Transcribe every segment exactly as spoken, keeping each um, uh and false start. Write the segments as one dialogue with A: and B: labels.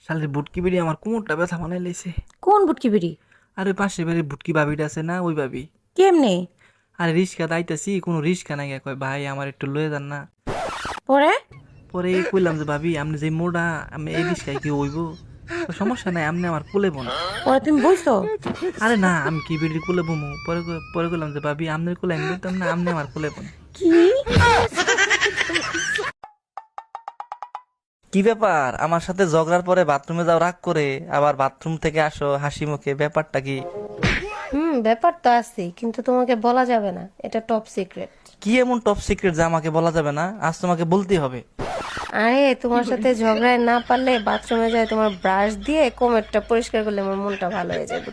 A: শালের বুটকি বিড়ি আমার কোমরটা ব্যথা বানাই লাইছে।
B: কোন বুটকি বিড়ি?
A: আর ওই পাশের বাড়ির বুটকি ভাবিটা আছে না, ওই ভাবি।
B: কেমনে?
A: আরে রিক্সা দাইতাছি, কোনো রিক্সা নাই, কয় ভাই আমার একটু লয়ে যান না।
B: পরে?
A: পরে কইলাম যে ভাবি আপনি যে মোড়া, আমি এই রিক্সায় কি হইব? কয়, সমস্যা নাই, আপনি আমার কোলে বোন।
B: পরে তুমি বইছো?
A: আরে না, আমি কি বিড়ির কোলে বমু? পরে কই- পরে কইলাম যে ভাবি আপনার কোলে আমি বলতাম না, আপনি আমার কোলে বোন।
B: কি?
A: কি ব্যাপার, আমার সাথে ঝগড়ার পরে বাথরুমে যাও রাগ করে, আবার বাথরুম থেকে আসো হাসি মুখে, ব্যাপারটা কি?
B: হুম, ব্যাপার তো আছে, কিন্তু তোমাকে বলা যাবে না, এটা টপ সিক্রেট।
A: কি এমন টপ সিক্রেট যে আমাকে বলা যাবে না? আজ তোমাকে বলতেই হবে।
B: আরে তোমার সাথে ঝগড়ায় না পারলে বাথরুমে যায় তোমার ব্রাশ দিয়ে কোমরটা পরিষ্কার করলে আমার মনটা ভালো হয়ে যাবে।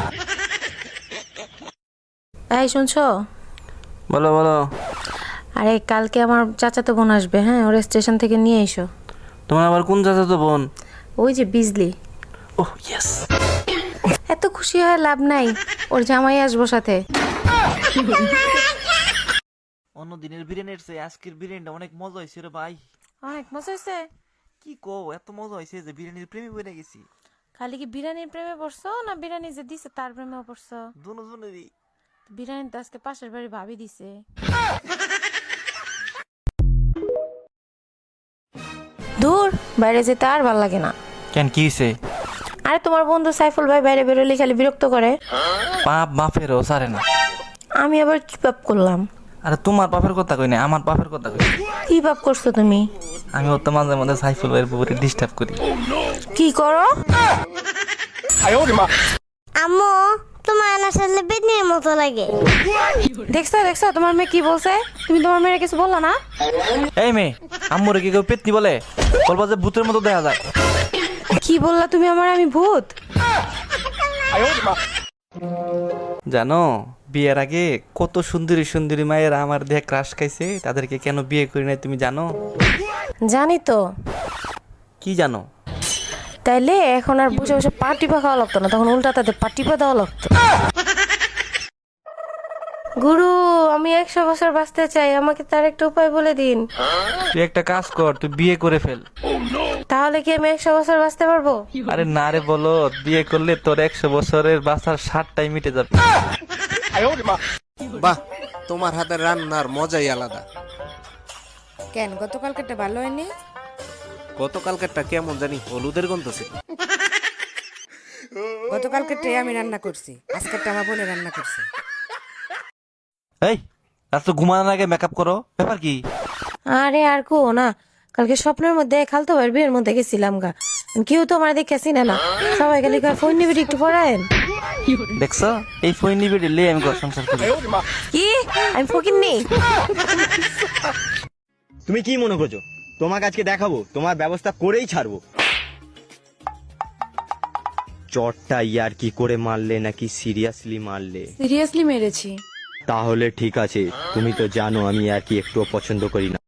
B: এই শুনছো?
A: বলো বলো।
B: আরে কালকে আমার চাচাতো বোন আসবে, হ্যাঁ, ওর স্টেশন থেকে নিয়ে এসো।
A: তোমার আবার কোন চাচাতো বোন?
B: ওই যে বিজলি।
A: ওহ ইয়েস।
B: এত খুশি হয় লাভ নাই, ওর জামাই আসবো সাথে।
A: অন্য দিনের বিরিয়ানির চেয়ে আজকের বিরিয়ানিটা অনেক মজা হয়েছে রে ভাই।
B: অনেক মজা হয়েছে।
A: কি কো, এত মজা হয়েছে যে বিরিয়ানির প্রেমে পড়ে গেছি।
B: খালি কি বিরিয়ানির প্রেমে পড়ছো, না বিরিয়ানি যে দিছে তার প্রেমেও পড়ছো?
A: দুনো জনেরই।
B: বিরিয়ানি তো আজকে পাশের বাড়ি ভাবি দিছে। দূর, বাইরে যেতে আর ভাল লাগে না।
A: কেন, কি হয়েছে?
B: আরে তোমার বন্ধু সাইফুল ভাই বাইরে বেরোলে খালি বিরক্ত করে।
A: পাপ বাপেরও সারে না।
B: আমি আবার কি পাপ করলাম?
A: আরে তোমার বাপের কথা কই না, আমার বাপের কথা কই।
B: কি পাপ করছো তুমি?
A: আমি ওর তো মাঝে মাঝে সাইফুল ভাইয়ের পুকুরে ডিস্টার্ব করি।
B: কি করো?
C: আম্মু, তোমার আসলে বেদনির মতো লাগে।
B: দেখছো দেখছো তোমার মেয়ে কি বলছে? তুমি তোমার মেয়ের কিছু বললা না?
A: এই মেয়ে, আম্মুরে কি কেউ পেতনি বলে? বলবা যে ভূতের মতো দেখা যায়।
B: কি বললা তুমি আমার, আমি ভূত?
A: জানো, বিয়ের আগে কত সুন্দরী সুন্দরী মায়েরা আমার দেহে ক্রাশ খাইছে, তাদেরকে কেন বিয়ে করি নাই তুমি জানো?
B: জানি তো।
A: কি জানো?
B: তাইলে এখন আর বসে বসে পাটিপা খাওয়া লাগতো না, তখন উল্টা তাদের পাটিপা দেওয়া লাগতো। গুরু, আমি একশো বছর বাঁচতে চাই, আমাকে তার একটা উপায় বলে দিন।
A: তুই একটা কাজ কর, তুই বিয়ে করে ফেল।
B: তাহলে কি আমি একশো বছর বাঁচতে পারবো?
A: আরে না রে, বলো বিয়ে করলে তোর একশো বছরের বাঁচার ষাটটাই মিটে যাবে।
D: বাহ, তোমার হাতের রান্নার মজাই আলাদা।
E: কেন গতকালকেরটা ভালো হয়নি?
D: গতকালকেরটা কেমন জানি হলুদের গন্ধ ছিল।
E: গতকালকেরটাই আমি রান্না করছি, আজকেরটা আমার বোনে রান্না করছে।
A: এই রাত তো ঘুমানোর আগে মেকআপ করো, ব্যাপার কি?
B: আরে আর কো না, কালকে স্বপ্নের মধ্যে খালতো ভাইয়ের বিয়ের মধ্যে গেছিলাম গা। কেউ তো আমার দেখে চিনে না, সবাই খালি কয় ফোন নিবি একটু পড়ায়েন।
A: দেখছো, এই ফোন নিবে লে আমি ঘর সংসার করি।
B: কি আমি ফকিন্নি?
F: তুমি কি মনে করছো তোমাকে আজকে দেখাবো? তোমার ব্যবস্থা করেই ছাড়বো। চটটা ইয়ার কি করে মারলে নাকি সিরিয়াসলি মারলে?
E: সিরিয়াসলি মেরেছি।
F: তাহলে ঠিক আছে, তুমি তো জানো আমি আর কি একটুও পছন্দ করি না।